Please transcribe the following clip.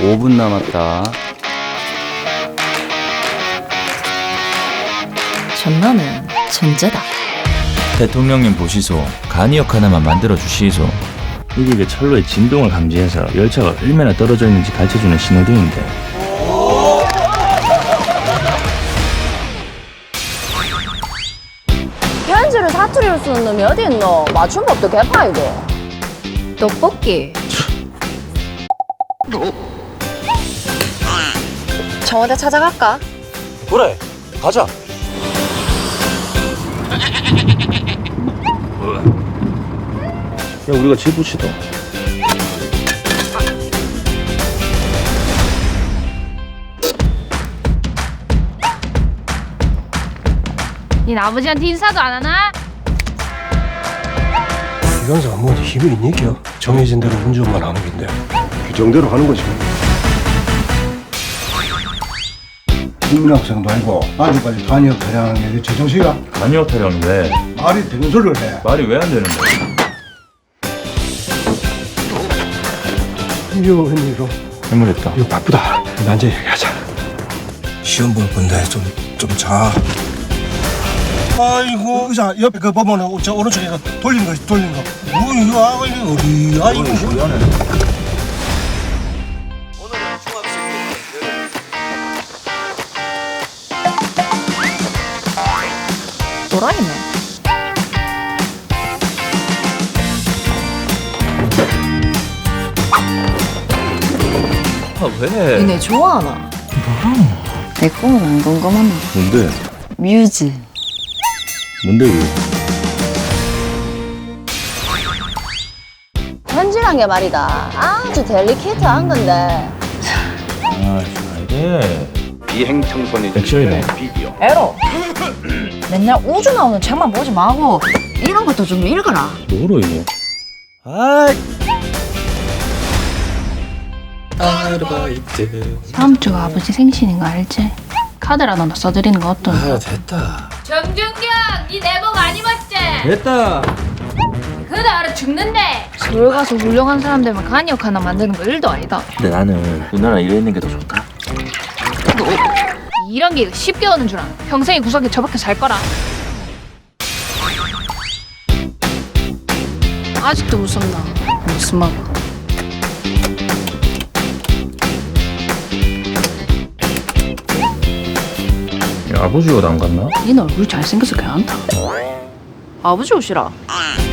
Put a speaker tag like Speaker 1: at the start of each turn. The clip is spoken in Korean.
Speaker 1: 5분 남았다.
Speaker 2: 전나는 천재다.
Speaker 3: 대통령님 보시소. 간이역 하나만 만들어 주시소.
Speaker 1: 이게 철로의 진동을 감지해서 열차가 얼마나 떨어져 있는지 가르쳐주는 신호등인데.
Speaker 4: 편지를 사투리로 쓰는 놈이 어디 있노? 맞춤법도 개파이고.
Speaker 2: 떡볶이.
Speaker 4: 청와대 찾아갈까?
Speaker 3: 그래, 가자.
Speaker 1: 야, 우리가 집 붙이다.
Speaker 5: 니 아버지한테 인사도 안 하나?
Speaker 6: 기관사가 뭐지 힘이 있니겨? 정해진 대로 운전만 하는 건데 규정대로 하는 거지.
Speaker 7: 국민학생도 아니고 아직까지 단역 타령하는 게 제정신이야?
Speaker 1: 간이역 타령 왜?
Speaker 7: 말이 되는 소리를 해.
Speaker 1: 말이 왜 안 되는데?
Speaker 6: 이거 웬일로?
Speaker 1: 해물했다.
Speaker 6: 이거 바쁘다. 난제 얘기하자. 시험 볼 건데 좀 자. 아이고 의자 옆에 그 보면은 저 오른쪽에 돌리는 거. 뭐 이거 이거 어디? 아이고 미안해.
Speaker 2: 또라이네.
Speaker 1: 아, 왜?
Speaker 2: 니네 좋아하나?
Speaker 4: 내 꿈은 안 궁금하나?
Speaker 1: 뭔데?
Speaker 4: 뮤즈.
Speaker 1: 뭔데 이게?
Speaker 4: 편지란 게 말이다. 아주 델리케이트한 건데.
Speaker 1: 아, 이게 비행청소년 액션이다.
Speaker 2: 에로. 맨날 우주 나오는 책만 보지 말고 이런 것도 좀 읽어라.
Speaker 1: 뭐로 이거?
Speaker 5: 다음 주가 아버지 생신인 거 알지? 카드라도 너 써드리는 거 어떠냐?
Speaker 6: 됐다.
Speaker 5: 정준경, 니 내복 안 입었지?
Speaker 1: 됐다.
Speaker 5: 그러다 알아 죽는데. 서울 가서 훌륭한 사람들만 간이역 하나 만드는 거 일도 아니다.
Speaker 3: 근데 나는 누나랑 이래 있는 게 더 좋다.
Speaker 5: 이런 게 쉽게 오는 줄 알아. 평생이 구석에 처박혀 살 거라. 아직도 무섭나? 무슨 말?
Speaker 1: 야, 아버지 옷 안 갔나?
Speaker 5: 니는 얼굴이 잘생겨서 괜찮다.
Speaker 2: 아버지 오시라.